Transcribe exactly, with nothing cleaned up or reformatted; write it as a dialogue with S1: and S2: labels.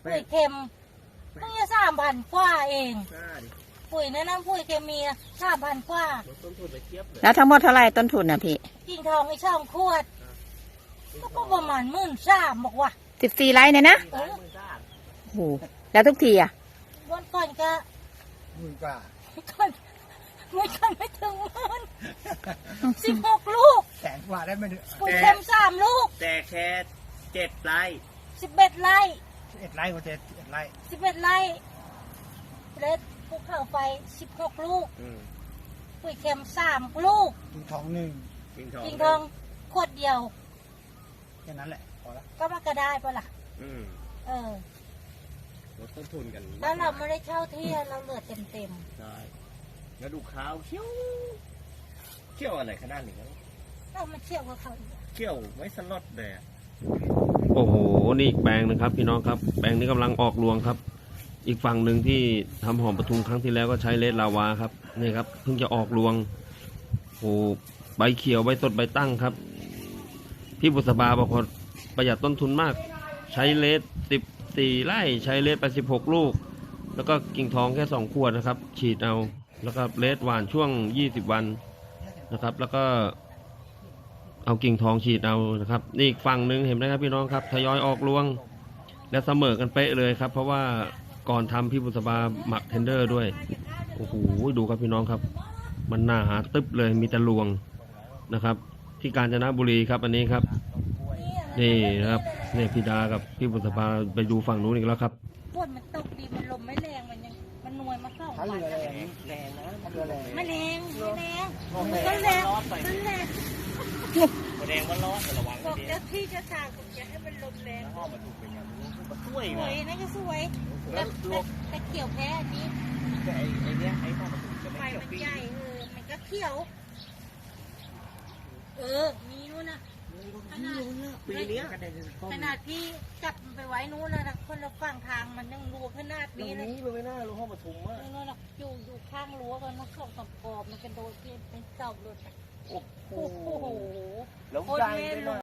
S1: ปุ๋ยเค็มต้องจะสามพันกว่าเองปุ๋ยแนะนำปุ๋ยเคมีสามพันกว่า
S2: แล้วทั้งหมดเท่าไหร่ต้นทุนน่ะพี่
S1: กิ่งทองไอ้ช่องขวดก็ประมาณหมื่นสามบอกว่า
S2: สิบสี่ไร่เนี่ยนะโอ้โหแล้วทุกทีอ่ะ
S1: วันก่อนก็
S3: หมื่นกว่า
S1: ก่อนไม่ก่อนไม่ถึงหมื่นสิบหกลูก
S3: แสนกว่าได้ไหม
S1: ปุ๋ยเค็มสามลูก
S4: แต่แค่เจ็ดไร่
S1: สิบเอ็ดไร่
S3: สิบเอ็ดไร่ก็เจ็ดสิบเอ็ดไร่
S1: สิบเอ็ดไร่เล็ดภูเขาไฟสิบหกลูกปุ๋ยเค็มสามลูก
S3: กิ่งทองหนึ่ง
S1: กิ่งทองขวดเดียว
S3: แค่นั้นแหละพอแล้ว
S1: ก็มาก็ได้ปะล่ะเออ
S4: ลดต้นทุนกัน
S1: แล้วเราไม่ได้เช่าที่เราเหลือเต็มเต็ม
S4: ใช่แล้วดูข้าวเขี้ยวเขี้ยวอะไรขนาดนี้
S1: เรามาเชี่ยวกับเขา
S4: เขี้ยวไม่สลดเลย
S5: โอ้โหนี่อีกแปลงนะครับพี่น้องครับแปลงนี้กำลังออกรวงครับอีกฝั่งหนึ่งที่ทำหอมปทุมครั้งที่แล้วก็ใช้เลดลาวาครับนี่ครับเพิ่งจะออกรวงโอ้ใบเขียวใบสดใบตั้งครับพี่บุษบาบอกว่าประหยัดต้นทุนมากใช้เลดสิบสี่ไร่ใช้เลดไปสิบหกลูกแล้วก็กิ่งทองแค่สองขวดนะครับฉีดเอาแล้วก็เลดหวานช่วงยี่สิบวันนะครับแล้วก็เอากิ่งทองฉีดเอานะครับนี่อีกฝั่งหนึ่งเห็นไหมครับพี่น้องครับทยอยออกรวงและเสมอกันเป๊ะเลยครับเพราะว่าก่อนทำพี่บุษบาหมักเทนเดอร์ด้วยโอ้โหดูครับพี่น้องครับมันหนาหาตึ๊บเลยมีแต่รวงนะครับที่กาญจนบุรีครับอันนี้ครับนี่นะครับเนี่ยพี่ดากับพี่บุษบาไปดูฝั่งนู้นอีกแล้วครับ
S1: ฝนมันตกดีมันลมไม่แรงมันยังมันนวยมาเข้าวันแรงแรงนะไม่แรงไม่แรงก็แรงก็แรง
S4: แรงว่าร้อนแต่ระวัง
S1: บอกเจ้าที่จะสั่งผมจะให้มันลมแรง
S4: ห้องมันถูกเป็นอย่างนี้มันสวย
S1: สวยนั่นก็สวยแต่แต่เขียวแพ้อันนี้
S4: แต่ไอ้เนี้ยไอ้ห้องมันถูกจะ
S1: ไฟมันใหญ่เออมันก็เขียวเออมีนู้นนะขนาด
S4: ปีนี้
S1: ขนาดที่จับไปไว้นู้นนะคนละฝั่งทางมันยังรูขนาดนี้เลย
S4: นี้ไม่น่ารู้ห้องปทุมอ่ะ
S1: นู้นนะอยู่อยู่ข้างรั้วกันนะสองสามกรอบมันเป็นโดยที่เป็นเสาเลยโอ้โห
S4: แล้วใหญ่เลย